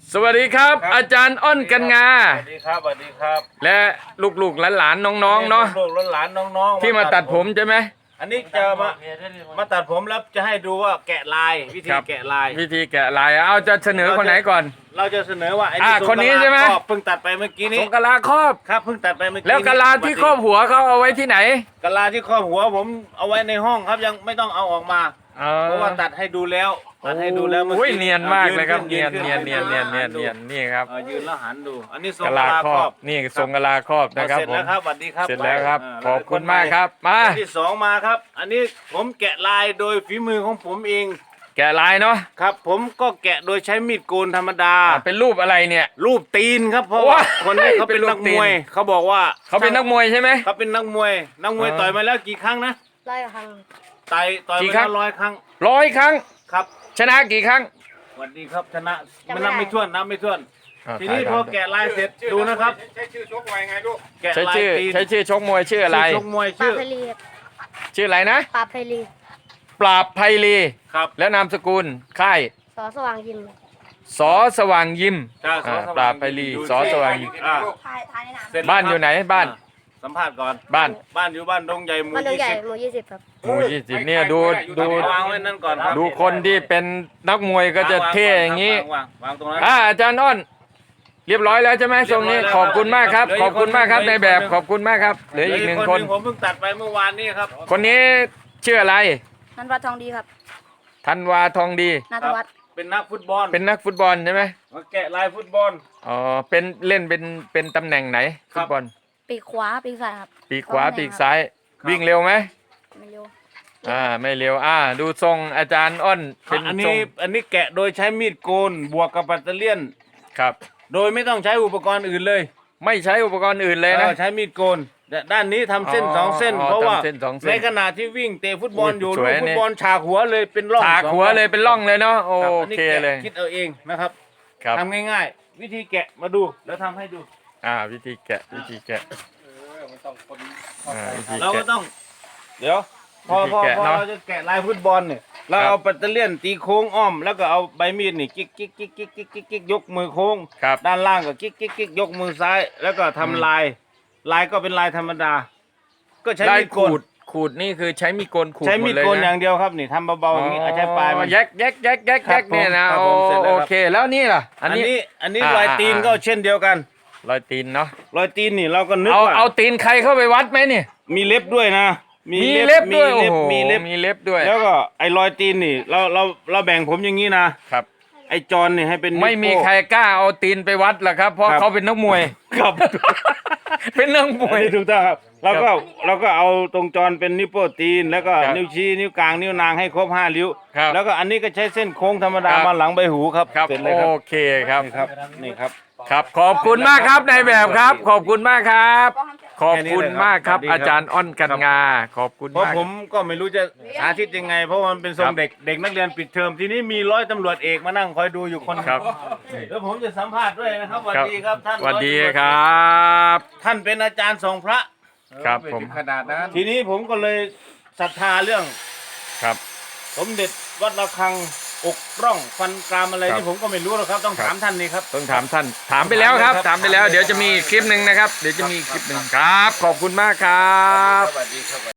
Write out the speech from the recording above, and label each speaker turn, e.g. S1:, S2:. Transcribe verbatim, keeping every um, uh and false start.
S1: สวัสดีครับอาจารย์อ้อนกันงา
S2: สวัสดีครับสวัสดีครับ
S1: และลูกๆหลานๆน้องๆเนาะ
S2: ลูกๆหลานๆน้องๆ
S1: ที่มาตัดผมใช่ไหม
S2: อันนี้จะมามาตัดผมแล้วจะให้ดูว่าแกะลายวิธีแกะลาย
S1: วิธีแกะลายเอาจะเสนอคนไหนก่อน
S2: เราจะเสนอว่าไอ้
S1: อ่าคนนี้ใช่ไหม
S2: เพิ่งตัดไปเมื่อกี้นี้
S1: ทรงกะลาครอบ
S2: ครับเพิ่งตัดไปเมื่อกี้
S1: แล้วกะลาที่ครอบหัวเขาเอาไว้ที่ไหน
S2: กะลาที่ครอบหัวผมเอาไว้ในห้องครับยังไม่ต้องเอาออกมาเพราะว่าตัดให้ดูแล้วตัดให้ดูแล้วเมื่อกี้
S1: เนียนมากเลยครับเนียนเนียนเนียนเนียนเนียนเนียนนี่ครับ
S2: ยืนแล้วหันดูอันนี้ทรง
S1: กะลาครอบนี่ทรงกะลาครอบนะครับผม
S2: เสร็จแล้วครับสวัสดีครับ
S1: เสร็จแล้วครับขอบคุณมากครับมา
S2: ที่สองมาครับอันนี้ผมแกะลายโดยฝีมือของผมเอง
S1: แกะลายเนาะ
S2: ครับผมก็แกะโดยใช้มีดโกนธรรมดา
S1: เป็นรูปอะไรเนี่ย
S2: รูปตีนครับเพราะว่าคนนี้เขาเป็นนักมวยเขาบอกว่า
S1: เขาเป็นนักมวยใช่ไหม
S2: เขาเป็นนักมวยนักมวยต่อยมาแล้วกี่ครั้งนะ
S3: ร้อยครั้ง
S2: ต่อยต่อยมาแล้วร้อยครั้ง
S1: ร้อยครั้ง
S2: ครับ
S1: ชนะกี่ครั้ง
S2: สวัสดีครับชนะมันนับไม่ถ้วนนับไม่ถ้วนทีนี้พอแกะลายเสร็จดูนะครับ
S4: ใช้ชื่อชกมวยไงลูก
S1: ใช้ชื่อใช้ชื่อชกมวยชื่ออะไร
S2: ชกมวยชื่อ
S1: ชื่ออะไรนะ
S3: ปราบไพลี
S1: ปราบไพลี
S2: ครับ
S1: แล้วนามสกุลค่าย
S3: สอสว่างยิม
S1: สอสว่างยิมปราบไพลีสอสว่างยิมบ้านอยู่ไหนบ้าน
S2: สัมภาษณ์ก่อน
S1: บ้าน
S2: บ้านอยู่บ้านดงใหญ่หมู่
S3: ยี่สิบหมู่ยี่สิบครับ
S1: หมู่ยี่สิบเนี่ยดูดู
S2: วางไว้นั่นก่อนครับ
S1: ดูคนที่เป็นนักมวยก็จะเท่อย่างนี้อ่าอาจารย์อ้อนเรียบร้อยแล้วใช่ไหมทรงนี้ขอบคุณมากครับขอบคุณมากครับในแบบขอบคุณมากครับเหลืออีกหนึ่งคน
S2: ผมเพิ่งตัดไปเมื่อวานนี้ครับ
S1: คนนี้ชื่ออะไร
S3: นันวัฒน์ทองดีครับ
S1: ธันวาทองดี
S3: นัทวัฒน์
S2: เป็นนักฟุตบอล
S1: เป็นนักฟุตบอลใช่ไหม
S2: มาแกะลายฟุตบอล
S1: อ๋อเป็นเล่นเป็นเป็นตำแหน่งไหนฟุตบอล
S3: ปีกขวาปีกซ้ายครับ
S1: ปีกขวาปีกซ้ายวิ่งเร็วไหม
S3: ไม่เร็ว
S1: อ่าไม่เร็วอ่าดูทรงอาจารย์อ้น
S2: เป็นอันนี้อันนี้แกะโดยใช้มีดโกนบวกกับปัตเตอร์เลียน
S1: ครับ
S2: โดยไม่ต้องใช้อุปกรณ์อื่นเลย
S1: ไม่ใช้อุปกรณ์อื่นเลยนะ
S2: ใช้มีดโกนด้านนี้ทำเส้นสองเส้นเพราะว่าในขณะที่วิ่งเตะฟุตบอลอยู่ลูกฟุตบอลฉากหัวเลยเป็นร่อง
S1: ฉากหัวเลยเป็นร่องเลยเนาะโอเคเลย
S2: คิดเอาเองนะครับทำง่ายๆวิธีแกะมาดูแล้วทำให้ดู
S1: อ่าวิธีแกะวิธีแกะ
S2: เราก็ต้องเดี๋ยวพอพอพอเราจะแกะลายฟุตบอลเนี่ยเราเอาปัตเตอร์เลียนตีโค้งอ้อมแล้วก็เอาใบมีดนี่กิ๊กกิ๊กกิ๊กกิ๊กกิ๊กกิ๊กกิ๊กยกมือโค้งด้านล่างก็กิ๊กกิ๊กกิ๊กยกมือซ้ายแล้วก็ทำลายลายก็เป็นลายธรรมดาก็ใช้มีดโกน
S1: ขูดนี่คือใช้มีดโกนขูด
S2: ใช้มีดโกนอย่างเดียวครับนี่ทำเบาๆอย่างนี้ใช้ปลายมัน
S1: แยกแยกแยกแยกแยกเนี่ยนะโอเคแล้วนี่ล่ะ
S2: อันนี้อันนี้รอยตีนก็เช่นเดียวกัน
S1: รอยตีนเนาะ
S2: รอยตีนนี่เราก็นึก
S1: ว่าเอาตีนใครเข้าไปวัดไหมเนี่ย
S2: มีเล็บด้วยนะ
S1: มีเล็บด้วย
S2: มีเล็บ
S1: มีเล็บด้วย
S2: แล้วก็ไอ้รอยตีนนี่เราเราเราแบ่งผมอย่างนี้นะครับไอ้จอนนี่ให้เป็น
S1: ไม่มีใครกล้าเอาตีนไปวัดหรอกครับเพราะเขาเป็นนักมวย
S2: ครับ
S1: เป็นนักมวย
S2: ถูกต้องครับเราก็เราก็เอาตรงจอนเป็นนิ้วโป้ตีนแล้วก็นิ้วชี้นิ้วกลางนิ้วนางให้ครบห้าริ้วแล้วก็อันนี้ก็ใช้เส้นโค้งธรรมดามาหลังใบหูครับ
S1: เสร็จเลยครับโอเคครับ
S2: นี่ครับนี่ครับ
S1: ครับขอบคุณมากครับในแบบครับขอบคุณมากครับขอบคุณมากครับอาจารย์อ้อนกันงาขอบคุณ
S2: เพราะ
S1: มาก
S2: ผมก็ไม่รู้จะสาธิตยังไงเพราะมันเป็นทรงเด็กเด็กนักเรียนปิดเทอมทีนี้มีร้อยตำรวจเอกมานั่งคอยดูอยู่คน
S1: ครับ
S2: แล้วผมจะสัมภาษณ์ด้วยนะครับสวัสดีครับท่าน
S1: สวัสดีครับ
S2: ท่านเป็นอาจารย์ทรงพระ
S1: ครับผม
S2: ขนาดนั้นทีนี้ผมก็เลยศรัทธาเรื่อง
S1: ครับ
S2: สมเด็จวัดระฆังอกร่องฟันกรามอะไรที่ผมก็ไม่รู้หรอกครับต้องถามท่านนี่ครับ
S1: ต้องถามท่านถามไปแล้วครับถามไปแล้วเดี๋ยวจะมีคลิปหนึ่งนะครับเดี๋ยวจะมีคลิปหนึ่งครับขอบคุณมากครับ
S2: สวัสดีครับ